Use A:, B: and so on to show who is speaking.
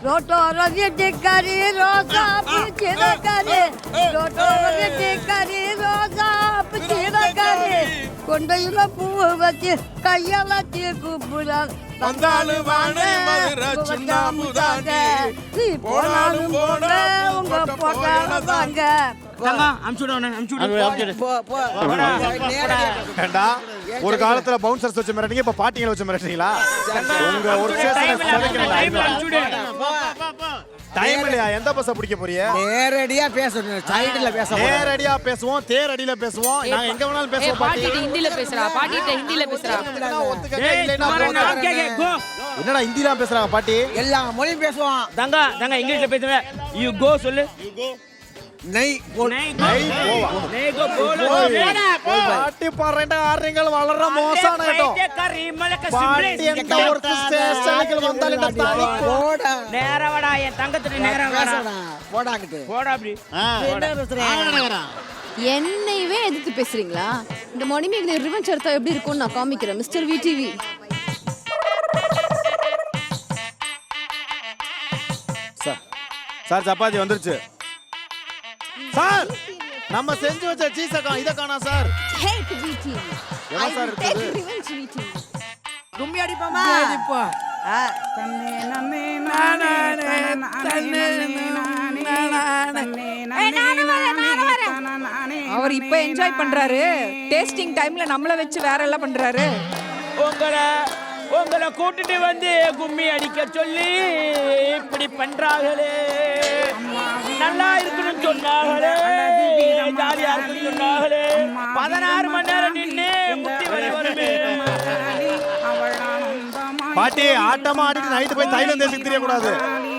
A: ரோட்டோர வீட்டுக்காரி ரோசா பிச்சிடக்காரி ரோட்டோர வீட்டுக்காரி ரோசா பிச்சிடக்காரி கொண்டையில பூ வச்சு கையால கூப்பிடாது
B: வந்தாலும் வானே மதுரை சுண்ணாம்புதாங்க
A: நீ போனாலும் போங்க உங்க போட்டாலும் வாங்க
C: ஒரு காலத்துல பவுன்சர்ஸ் வச்சு மிரட்டிங்க இப்ப பாட்டிங்களை வச்சு மிரட்டுறீங்களா? உங்க ஒரு டைம் இல்லையா? எந்த பஸ்ஸ பிடிக்க போறீங்க?
D: நேரடியா பேசணும், சைடுல பேச
C: நேரடியா பேசுவோம், தேரடியில பேசுவோம், நாங்க எங்க வேணாலும் பேசுவோம்.
E: பாட்டிட்ட ஹிந்தில பேசுறா, பாட்டிட்ட ஹிந்தில பேசுறா.
C: என்னடா ஹிந்திலாம் பேசுறாங்க பாட்டி?
D: எல்லா மொழியும் பேசுவான்.
F: தங்கா இங்கிலீஷ்ல பேசுங்க. யூ கோ சொல்லு.
D: நை
C: பாட்டி பாறேன்டா ஆறீங்கள் வளர மோசமான கேட்டோ. பாட்டி எந்த ஒரு ஸ்டேஷனுக்கு வந்தாலும் தானி
D: போடா.
F: நேரவடா என் தங்கத்துக்கு நேரம்
D: பேசடா. போடாக்கிட்டு.
F: போடா அப்படி.
E: என்னையவே எதிர்த்து பேசுறீங்களா? இந்த மணிமேகலை ரிவெஞ்ச் எடுத்தா எப்படி இருக்கும்னு நான் காமிக்கிறேன். Mister VTV.
C: சார் சப்பாத்தி வந்துருச்சு சார். நம்ம செஞ்சு வச்ச சீஸ இத காணோம் சார்.
E: Take VTV.
C: என்ன சார்
E: Take
C: இருக்குது?
E: revenge VTV.
D: கும்மி அடிப்போமா?
F: இப்போ
G: அவர் இப்ப என்ஜாய் பண்றாரு. டேஸ்டிங் டைம்ல நம்மள வச்சு வேற எல்லாம் பண்றாரு.
F: உங்களை கூட்டிட்டு வந்து கும்மி அடிக்க சொல்லி இப்படி பண்றாங்களே. நல்லா இருக்குன்னு சொன்னாங்களே, ஜாலியா இருக்குன்னு சொன்னாங்களே. 16 மணி நேரம் நின்று முட்டி வலி வருமே.
C: பாட்டி ஆட்டமா ஆடிட்டு நைட்டு போய் தைலம் தேய்ச்சி தெரிய கூடாது.